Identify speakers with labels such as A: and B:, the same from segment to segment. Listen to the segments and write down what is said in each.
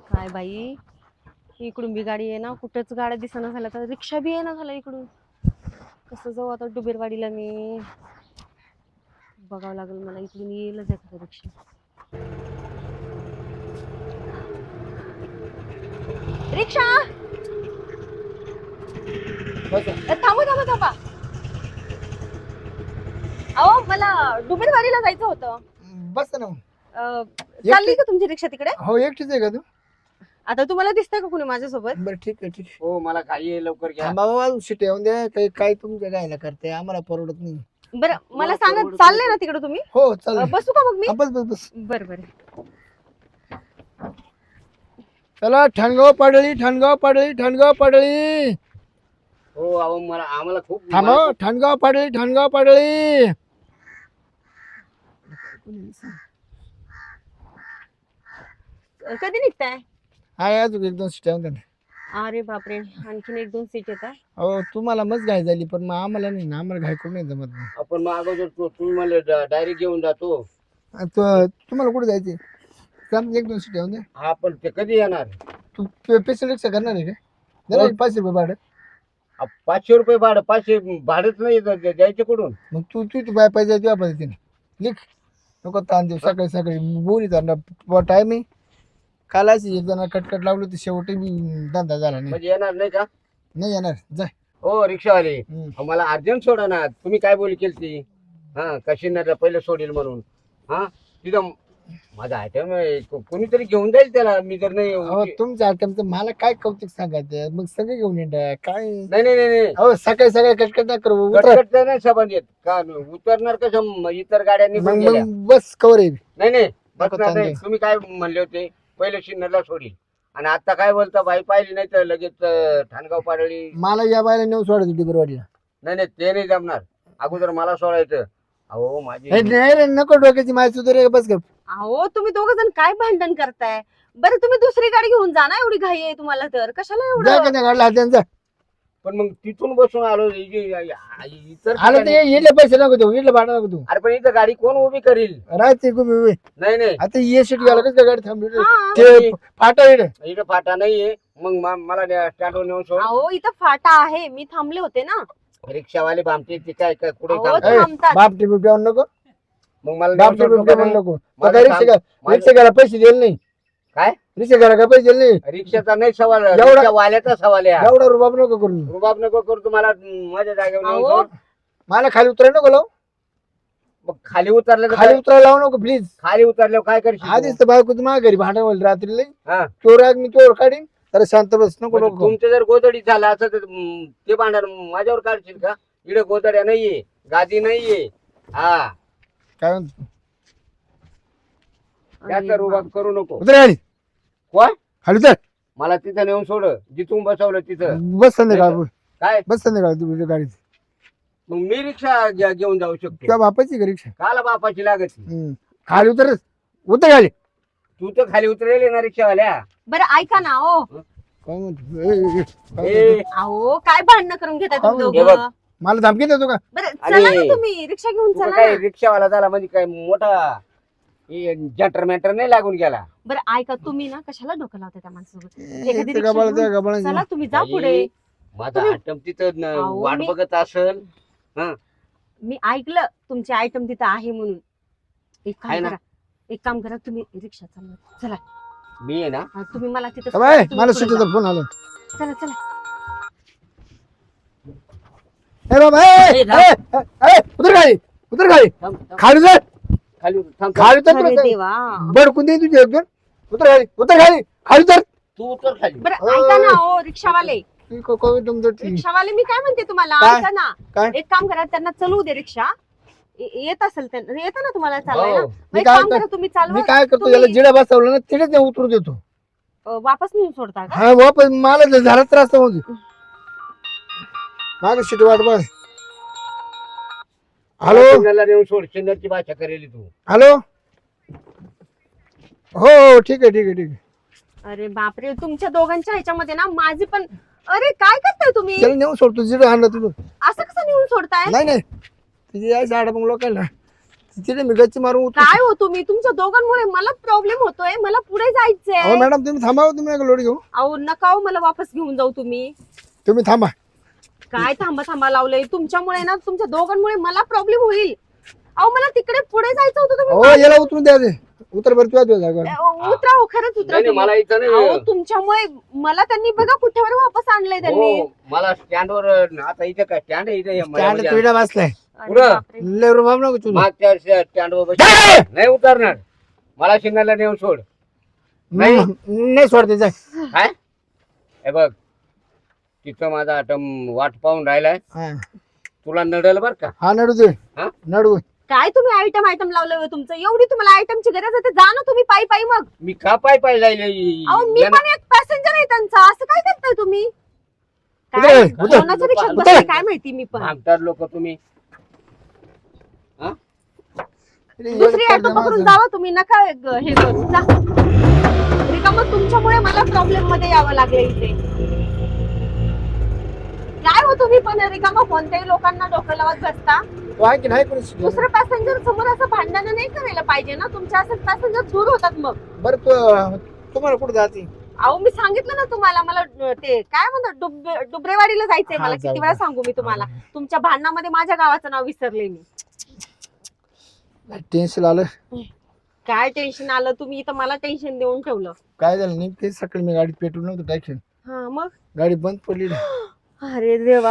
A: काय बाई, इकडून बी गाडी आहे ना, कुठंच गाड्या दिसना झाल्या, तर रिक्षा बी आहे ना झाला इकडून. कसं जाऊ आता डुबेरवाडीला मी? बघावं लागेल मला, इकडून येईलच एखादा रिक्षा. रिक्षा थांबा थांबा थांबा. अहो मला डुबेरवाडीला जायचं होतं.
B: बस ना.
A: चालली का तुमची रिक्षा तिकडे?
B: हो एकटीच आहे का तू?
A: आता तुम्हाला दिसतंय का कोणी माझ्यासोबत?
B: बरं ठीक आहे ठीक आहे.
C: हो मला काही आहे, लवकर घ्या.
B: बाबा शिट येऊन द्या. काही काय तुमच्या गायला करते आम्हाला परवडत नाही.
A: बरं मला सांगा, चालले ना तिकडे तुम्ही?
B: हो चल
A: बसू का मग मी?
B: बस बस बस.
A: बरं बरं.
B: चला ठणगाव पाडळी ठणगाव पाडळी ठणगाव पाडळी.
C: हो अहो मला आम्हाला खूप
B: थांबा ठणगाव पाडळी ठणगाव पाडळी.
A: कधी निघताय?
B: हाय अजून एक दोन सीट येऊन द्या.
A: अरे बापरे, आणखीन एक दोन सीट येतात.
B: हो तुम्हाला मस्त घाई झाली पण मग आम्हाला नाही ना. आम्हाला घाई करून नाही जमत नाही.
C: आपण मग अगोदर तुम्ही मला डायरेक्ट घेऊन जातो.
B: तुम्हाला कुठे जायचे? एक दोन सीट येऊन द्या.
C: हा पण ते कधी येणार?
B: तू स्पेशल रिक्षा करणार आहे का? जरा 500 रुपये भाडं.
C: 500 रुपये भाडं? 500 भाडंच नाही द्यायचे कुठून?
B: मग तू तू तू बाय पाहिजे तुझ्या पद्धतीने लिख. नको ताण देऊ. सकाळी सकाळी बोली जाणार टाइम आहे. काल अशी एक जण कटकट लावली तर शेवटी बी धंदा झाला नाही.
C: म्हणजे येणार नाही का?
B: नाही येणार जाय.
C: हो रिक्षावाले
B: हम्म.
C: मला अर्जंट सोडा ना. तुम्ही काय बोली केली? हा कशीनरला पहिले सोडील म्हणून. हा तिथं माझा आयटम कोणीतरी घेऊन जाईल त्याला. मी जर नाही
B: अहो तुमच्या आयटमचं मला काय कौतुक सांगायचं? मग सगळे घेऊन येणार काय?
C: नाही नाही नाही नाही.
B: अहो सकाळी सकाळी कटकट नाही करू. उतरा.
C: कटकट नाही संबंध येत का? उतरणार कसं? इतर गाड्यांनी
B: मग
C: पण गेल्या.
B: मग बस कवर आहे.
C: नाही नाही
B: नको
C: बसणार नाही.
B: तांदूळ.
C: तुम्ही काय म्हणले होते? पहिले शिन्नरला सोडील आणि आता काय बोलता? बाई पाहिली नाही तर लगेच ठाणगाव पाडळी.
B: मला या बायला नेऊन सोडायचं डिबरवाडीला.
C: नाही नाही ते नाही जमणार. अगोदर मला सोडायचं. अहो माझी
B: नाही रे नको डोक्याची माहिती सुधारे बस गप.
A: अहो तुम्ही दोघ जण काय भांडण करताय? बरं तुम्ही दुसरी गाडी घेऊन जा ना, एवढी घाई आहे तुम्हाला तर कशाला
B: जा
A: एवढं?
B: का त्या गाडीला हात
C: पण मग तिथून बसून आलो. इतर
B: आलं तर इडले पैसे नको देऊ. इडलं भाडं नको देऊ.
C: अरे पण इथं गाडी कोण उभी करील?
B: राहते गुबी.
C: नाही नाही
B: आता ये सीट घ्यायला कसं काय गाडी थांबली?
A: हा.
B: ते फाटा इकडे.
C: इथं फाटा नाहीये. मग मला स्टँडवर नेऊन सोड.
A: अहो इथं फाटा आहे, मी थांबले होते ना.
C: रिक्षावाले भामते ते काय काय कुठे
A: अहो,
C: थांबतात?
A: थांबतात.
B: बाप टिपी प्यावून नको.
C: मग मला
B: बाप
C: नेऊन
B: टिपी
C: सोडतो का
B: प्यावून
C: नाही?
B: नको.
C: माझं
B: आता रिक्षा
C: काम-
B: रिक्षा घ्यायला पैसे दिले नाही.
C: काय?
B: रिक्षा घ्यायला काय पैसे दिले नाही.
C: रिक्षाचा नाही सवाल,
B: एवढा-
C: रिक्षावाल्याचा सवाल आहे.
B: एवढा रुबाब नको करून.
C: रुबाब नको करू. तुम्हाला माझ्या जागेवर नेऊन
A: अहो.
C: सोड.
B: मला खाली उतरायला नको लावू.
C: मग खाली उतरलं तर
B: खाली
C: काय?
B: उतरायला लावू नको प्लीज.
C: खाली उतरल्यावर काय करशील तू?
B: आधीच तर बायको माझ्या घरी भांडण होईल रात्री.
C: हा.
B: चोर आग मी चोर काढीन. तर शांत बस नको
C: म्हणजे
B: नको.
C: तुमचं जर गोदडी झालं असं तर ते भांडण माझ्यावर काढशील का? इकडे गोदड्या नाहीये, गादी नाहीये. हा
B: काय म्हणतो?
C: त्याचा रुबाब करू नको.
B: उतर खाली.
C: कोण?
B: खाली उतर.
C: मला तिथं नेऊन सोड जिथून बसवलं तिथं.
B: बस संध्याकाळ.
C: काय?
B: बस संध्याकाळ तुझ्या गाडीत.
C: मग मी रिक्षा घेऊन जाऊ शकतो.
B: तुझ्या बापाची का रिक्षा?
C: काला बापाची लागत.
B: खाली उतर. उतर खाली.
C: तू तर खाली उतरेल ना रिक्षावाल्या.
A: बरं ऐका ना. हो
B: काय म्हणतो? ए, ए, ए, काय
C: ए,
B: म्हणतो?
A: अहो काय भांडणं करून घेताय तुम्ही
B: हे
C: बघ.
A: दोघं?
B: मला धमकी देतो का?
A: बरं
C: आणि-
A: चला ना, तुम्ही रिक्षा घेऊन
C: तू
A: चला
C: काय
A: ना.
C: रिक्षावाला झाला म्हणजे काय मोठा जंटर मॅटर नाही लागून गेला.
A: बरं ऐका, तुम्ही ना कशाला डोकं लावता त्या माणसासोबत?
B: ए,
A: एखादी
B: त्या
A: रिक्षा
B: गबाळा- त्या
A: घेऊन
B: गबाळा-
A: चला, तुम्ही जा
C: बाई,
A: पुढे.
C: माझा
A: तुम्ही-
C: आयटम तिथं
A: अहो,
C: वाट
A: मी-
C: बघत असल.
A: मी ऐकलं तुमचे आयटम तिथं आहे म्हणून. एक
C: आहे
A: काम
C: ना?
A: करा, एक काम करा, तुम्ही रिक्षा चालवा. चला
C: मी आहे ना.
A: हा, तुम्ही मला तिथं
B: बाय,
A: तुम्ही
B: मला
A: पुढे
B: सुट्टीचा
A: जा.
B: फोन आला.
A: चला चला.
B: ए बाबा ए, ए, ए, ए, उतर खाली. उतर खाली.
C: थांब, थांब.
B: खाली उतर.
C: खाली उतर, थांब, थांब.
B: खाली उतर
A: अरे
B: तुला सांग.
A: देवा.
B: बडकून दे तुझी एकदम. उतर खाली. उतर खाली. खाली उतर.
C: तू उतर खाली.
A: बरं ऐका ना, ओ रिक्षावाले.
B: तुमचं
A: रिक्षावाले मी काय म्हणते तुम्हाला,
B: काय?
A: ऐका ना.
B: काय?
A: एक काम करा, त्यांना चलवू दे रिक्षा. येत असेल त्यांना, येतं ना तुम्हाला चालवायला?
C: हो.
A: मग
B: मी
A: एक
B: काय
A: काम
B: कर-
A: करा, तुम्ही
B: मी
A: चालवा.
B: काय करतो
A: तुम्ही-
B: याला जिडा बसवलं ना तिथेच नाही उतरू देतो.
A: वापस नेऊन सोडता का?
B: हा वापस मला जर झाला त्रास तर मग मागे सीट वाट बघ. हॅलो
C: सिग्नलला नेऊन सोड. सिग्नलची भाषा करेल तू.
B: हॅलो. हो हो ठीक आहे ठीक आहे ठीक आहे.
A: अरे बापरे, तुमच्या दोघांच्या ह्याच्यामध्ये ना माझी पण. अरे काय करताय तुम्ही?
B: त्याला नेऊन सोडतो जिडं आणलं तुझं.
A: असं कसं नेऊन सोडताय?
B: नाही नाही तिथे यायचं आडा मग लोकांना तिथे मी गच्ची मारून उतरू.
A: काय हो तुम्ही, तुमच्या दोघांमुळे मला प्रॉब्लेम होतोय, मला पुढे जायचंय.
B: अहो मॅडम तुम्ही थांबा, तुम्ही नका लोड घेऊ.
A: अहो नका हो, मला वापस घेऊन जाऊ तुम्ही.
B: तुम्ही थांबा.
A: काय थांबा थांबा लावलंय तुमच्यामुळे ना, तुमच्या दोघांमुळे मला प्रॉब्लेम होईल. अहो मला तिकडे पुढे जायचं होतं,
B: हो
A: तुम्ही
B: याला उतरून द्या ते. उतर बरं तुझ्या जागा.
A: उतरा हो, खरंच उतरा
C: नाही नाही,
A: तुम्ही.
C: मला इथं
A: अहो
C: नाही.
A: तुमच्यामुळे मला त्यांनी बघा कुठेवर वापस आणलंय त्यांनी.
C: हो, मला स्टँडवर आता इथे काय स्टँड आहे इथे
B: स्टँड तुला बसलाय.
A: अरे
C: पुढं.
A: बापरे.
B: लय रुबाब नको तुला.
C: मागच्या स्टँडवर नाही उतरणार. मला सिग्नलला नेऊन सोड. नाही.
B: नाही सोडते जाय.
C: काय हे बघ, तिथं माझा आटम वाट पाहून राहिलाय.
B: हा.
C: तुला नडल बर का.
B: हा नडू दे.
C: हा?
B: नडू.
A: काय तुम्ही आयटम लावलंय हो तुमचं, एवढी तुम्हाला आयटमची गरज आहे, जा ना तुम्ही पायी पायी. मग
C: मी का पाय जाईल.
A: अहो मी पण एक पॅसेंजर आहे त्यांचा, असं काय करताय तुम्ही?
B: उतर,
A: काय
B: उतर.
A: कोणाच्या रिक्षात
C: उतर.
A: बसले काय माहिती मी पण.
C: भागतात लोक तुम्ही.
A: दुसरी ऑटो पकडून जावा तुम्ही, नका हे करू जा. रिकामं तुमच्यामुळे मला प्रॉब्लेम मध्ये यावं लागलं इथे. काय हो तुम्ही पण रिकामं कोणत्याही लोकांना डोकं लावत बसता.
B: तो आहे की नाही कोणी शिकवलं?
A: दुसरं पॅसेंजर समोर असं भांडण नाही करायला पाहिजे ना, तुमच्या असं पॅसेंजर दूर होतात मग.
B: बरं तुम्हाला कुठे जाते?
A: अहो मी सांगितलं ना तुम्हाला, मला ते काय म्हणतात डुबरेवाडीला जायचंय मला.
B: हा, जाऊ
A: किती वेळा
B: दे.
A: सांगू मी तुम्हाला, तुमच्या भांडणामध्ये माझ्या गावाचं नाव विसरले मी.
B: टेन्शन आलं.
A: काय टेन्शन आलं, तुम्ही इथं मला टेन्शन देऊन ठेवलं.
B: काय झालं नाही ते सकाळी मी गाडीत पेट्रोल नव्हतं टाकेल.
A: हा मग.
B: गाडी बंद पडली.
A: अरे देवा.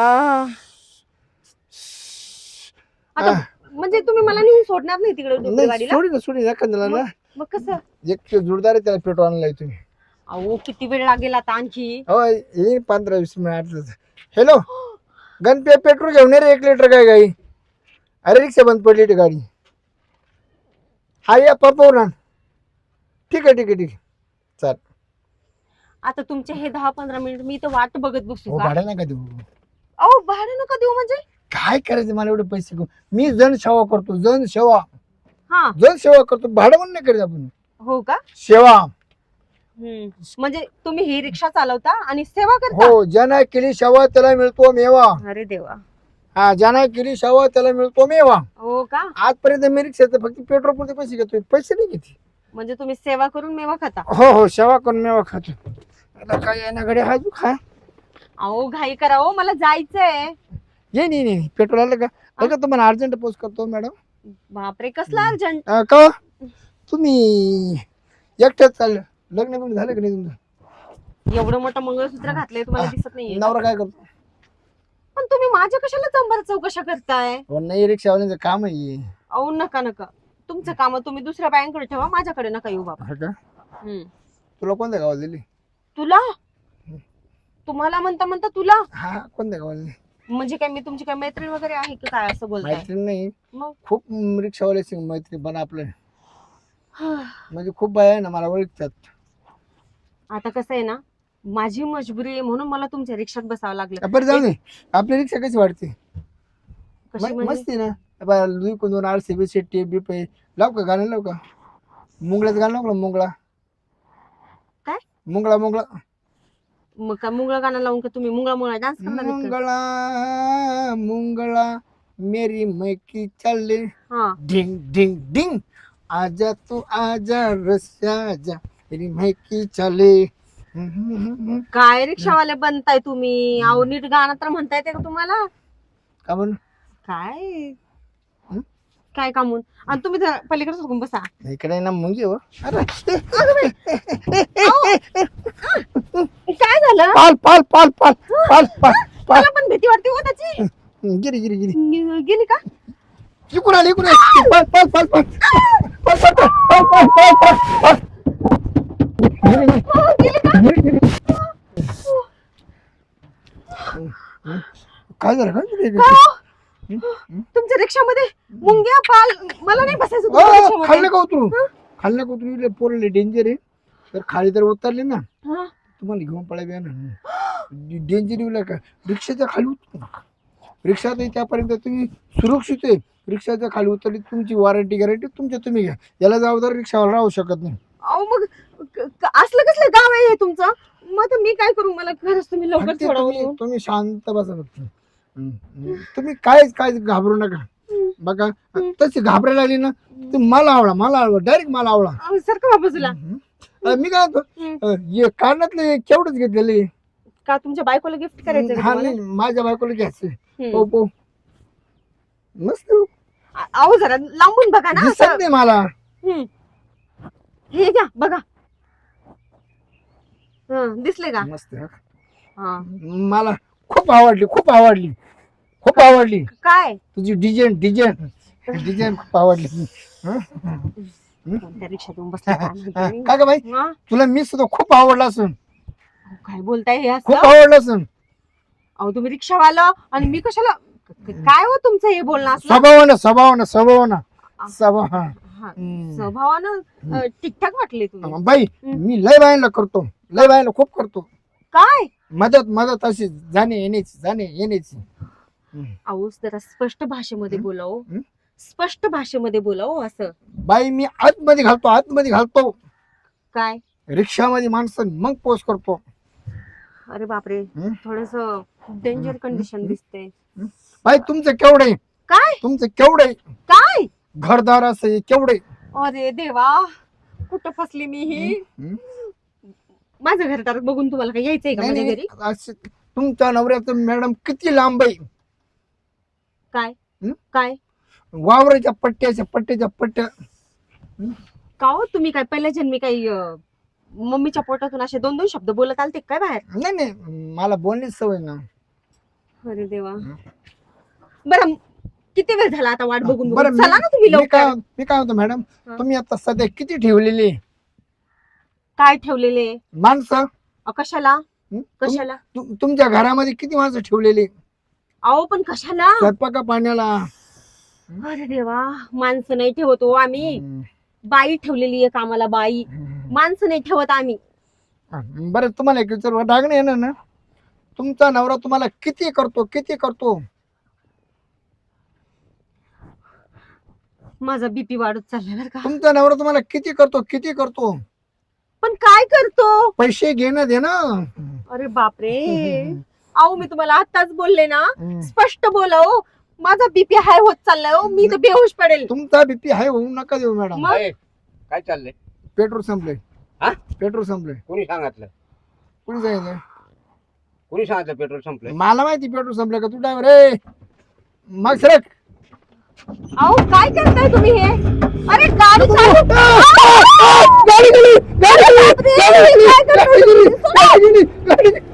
A: आता म्हणजे तुम्ही मला नेऊन सोडणार नाही तिकडे
B: नाही
A: डुबरेवाडीला?
B: सोडी एखाद्याला ना.
A: मग कसं?
B: एक जोरदार आहे त्याला पेट्रोल आणलाय तुम्ही.
A: अहो किती वेळ लागेल आता आणखी?
B: हो येईन 15-20 मिनिट. हॅलो गणपे पेट्रोल घेऊन ये रे 1 लिटर काय गाई. अरे रिक्षा बंद पडली ती गाडी. हा या पापावर आण. ठीक आहे चाल.
A: आता तुमचे हे 10-15 मिनिट मी इथं वाट बघत बसू
B: हो
A: का?
B: भाडं नका देऊ.
A: अहो भाडं नका देऊ म्हणजे?
B: काय करायचं मला एवढे पैसे घेऊन. मी जनसेवा करतो. जनसेवा
A: हा
B: करतो. भाडं म्हणून नाही करायचं आपण.
A: हो का?
B: सेवा.
A: म्हणजे तुम्ही ही रिक्षा चालवता आणि सेवा करता?
B: हो ज्यानं केली सेवा त्याला मिळतो मेवा.
A: अरे देवा.
B: हा ज्यानं केली सेवा त्याला मिळतो मेवा.
A: हो का?
B: आजपर्यंत मी रिक्षाचं फक्त पेट्रोल पुरते पैसे घेतोय. पैसे नाही घेते.
A: म्हणजे तुम्ही सेवा करून मेवा खाता?
B: हो सेवा करून मेवा खातो. आता काय आहे ना गडे हा तू खा.
A: अहो घाई करा हो, मला जायचंय.
B: ये नाही पेट्रोल आलं का? अगं तुम्हाला अर्जंट पोस्ट करतो मॅडम.
A: बापरे कसला अर्जंट.
B: का तुम्ही एकट्याच चाललं? लग्न बिग्न झालं का नाही तुमचं?
A: एवढं मोठं मंगळसूत्र घातलंय तुम्हाला दिसत नाहीये?
B: नवरा काय करतो?
A: पण तुम्ही माझ्या कशाला चंबर चौकशा करताय?
B: हो नाही रिक्षावाल्यांचं काम आहे.
A: अहो नका तुमचं काम तुम्ही दुसऱ्या बायांकडे ठेवा, माझ्याकडे नका येऊ बाबा.
B: हा का?
A: हम्म.
B: तुला कोणत्या गावात दिली?
A: तुला तुम्हाला म्हणता तुला
B: हा कोणत्या गावात दिली?
A: म्हणजे काय मी तुमची काय मैत्रीण वगैरे आहे की काय असं बोलताय?
B: मैत्रीण नाही.
A: मग
B: खूप रिक्षावाल्याची मैत्री पण आपलं म्हणजे खूप बाया आहे ना मला ओळखतात.
A: आता कसं आहे ना, माझी मजबुरी आहे म्हणून मला तुमच्या रिक्षात बसावं लागलं.
B: बरं जाऊ दे. आपली रिक्षा कशी वाटते?
A: कशी म्हणजे?
B: मस्ती ना. दोन RCB शेट्टी बिपे लाव का गाणं लाव का? मुंगळ्याचं गाणं लाव का?
A: काय?
B: मुंगळा
A: मग काय मुंगळा गाणं लावून का तुम्ही मुंगळा डान्स करणार आहेत का?
B: मुंगळा मेरी मैकी चले
A: हा.
B: ढिंग ढिंग ढिंग आजा तू आजा रस्या जा मेरी मैकी चले.
A: काय रिक्षावाले बनताय तुम्ही? अहो नीट गाणं तर म्हणता येते का तुम्हाला?
B: का म्हणून?
A: काय
B: हं?
A: काय कामून? आणि तुम्ही पलीकडे सोडून बसा.
B: इकडे ना मुंगी हो. अरे
A: काय झालं?
B: पाल
A: मला पण भीती वाटते हो त्याची.
B: गिरी
A: गेली का?
B: इकडून आली पाल काय झालं
A: तुमच्या रिक्षामध्ये मुंग्या पाल मला नाही बसायचं तुमच्या रिक्षामध्ये.
B: खाल्लं का उतरू पोरले डेंजर आहे. तर खाली तर उतरले ना
A: हा.
B: तुम्हाला घेऊन पळायला ना डेंजर येऊ का? रिक्षाच्या खाली उतरू नका. रिक्षात त्यापर्यंत तुम्ही सुरक्षित आहे. रिक्षाच्या खाली उतरली तुमची वॉरंटी गॅरंटी तुमच्या तुम्ही घ्या. याला जबाबदार रिक्षावाला राहू शकत नाही.
A: अहो मग असलं कसलं गाव आहे तुमचं? मग आता मी काय करू? मला खरंच तुम्ही लवकर
B: फक्त
A: सोडवून.
B: तुम्ही शांत बसा फक्त. तुम्ही काय घाबरू नका. बघा तशी घाबरायला लागली ना तू मला आवडा डायरेक्ट मला आवडा.
A: सारखं बाबूला
B: मी काय म्हणतो हे कानातले केवढंच घेतलेले
A: का तुमच्या बायकोला गिफ्ट करायचं का
B: हा
A: तुम्हाला?
B: नाही माझ्या बायकोला घ्यायचं.
A: हम्म.
B: हो हो मस्त
A: अहो जरा लांबून बघा ना
B: दिसत
A: असं.
B: नाही मला.
A: हम्म. हे घ्या बघा. दिसले का?
B: मस्त
A: हा.
B: मला खूप आवडली खूप आवडली खूप आवडली
A: काय
B: तुझी डिझाईन खूप आवडली. हं?
A: कोणत्या रिक्षातून बसले काय माहिती?
B: का ग बाई
A: हा?
B: तुला मी सुद्धा खूप आवडला असून
A: अहो, काय बोलताय हे
B: खूप
A: असं?
B: आवडला असून
A: अहो तुम्ही रिक्षावाला आणि मी कशाला काय हो तुमचं हे बोलणं असलं?
B: स्वभावानं
A: हा,
B: हम्म.
A: स्वभावानं ठीकठाक वाटले तुम्ही.
B: बाई मी लय बायला खूप करतो
A: काय
B: मदत अशी जाणे येण्याची.
A: अहो जरा स्पष्ट भाषेमध्ये बोलाव.
B: हं?
A: स्पष्ट भाषेमध्ये बोलाव असं.
B: बाई मी आतमध्ये घालतो
A: काय
B: रिक्षामध्ये माणसं मग पोस्ट करतो.
A: अरे बापरे
B: हं?
A: थोडस डेंजर कंडिशन दिसते.
B: बाई तुमचं केवढे
A: काय काय
B: घरदार असं केवढे.
A: अरे देवा कुठं फसली मी ही. माझं घर बघून तुम्हाला काय यायचंय का माझ्या घरी?
B: तुमच्या नवऱ्याचं मॅडम किती लांब आहे.
A: काय
B: हं?
A: काय
B: वावराच्या पट्ट्या
A: का हो तुम्ही काय पहिल्या जन्मी काही मम्मीच्या पोटातून असे 2-2 शब्द बोलत आलते काय बाहेर?
B: नाही मला बोलण्याची सवय ना.
A: अरे देवा. बरं किती वेळ झाला आता वाट बघून
B: बरं
A: बघून? चला ना तुम्ही लवकर.
B: मी काय होतो मॅडम
A: हा.
B: तुम्ही आता सध्या किती ठेवलेली
A: काय ठेवलेले?
B: माणसं
A: कशाला
B: हं?
A: कशाला?
B: तुमच्या घरामध्ये किती माणसं ठेवलेली
A: अहो पण कशाला?
B: स्वयंपाका पाण्याला?
A: अरे देवा माणसं नाही ठेवतो आम्ही. बाई ठेवलेली आहे कामाला बाई. माणसं नाही ठेवत आम्ही.
B: बरं तुम्हाला एक विचार डागणे येणार ना तुमचा नवरा तुम्हाला किती करतो.
A: माझा बीपी वाढत चाललाय बरं का.
B: तुमचा नवरा तुम्हाला किती करतो.
A: पण काय करतो?
B: पैसे घेणं देणं.
A: अरे बापरे. अहो मी तुम्हाला आताच बोलले ना स्पष्ट बोलाव. माझा बीपी हाय होत चाललाय हो. मी तर बेहोश पडेल.
B: तुमचा बीपी हाय होऊ नका देऊ मॅडम.
A: मग?
C: अय, काय चाललंय?
B: पेट्रोल संपले.
C: हा?
B: पेट्रोल संपले.
C: कोणी सांगितलं पेट्रोल संपलंय?
B: मला माहिती पेट्रोल संपलं का तू ड्रायव्हर रे मग सरक.
A: अहो काय करताय तुम्ही हे? अरे गाडी चालू.
B: गाडी गेली.
A: बापरे, काय करताय तुम्ही?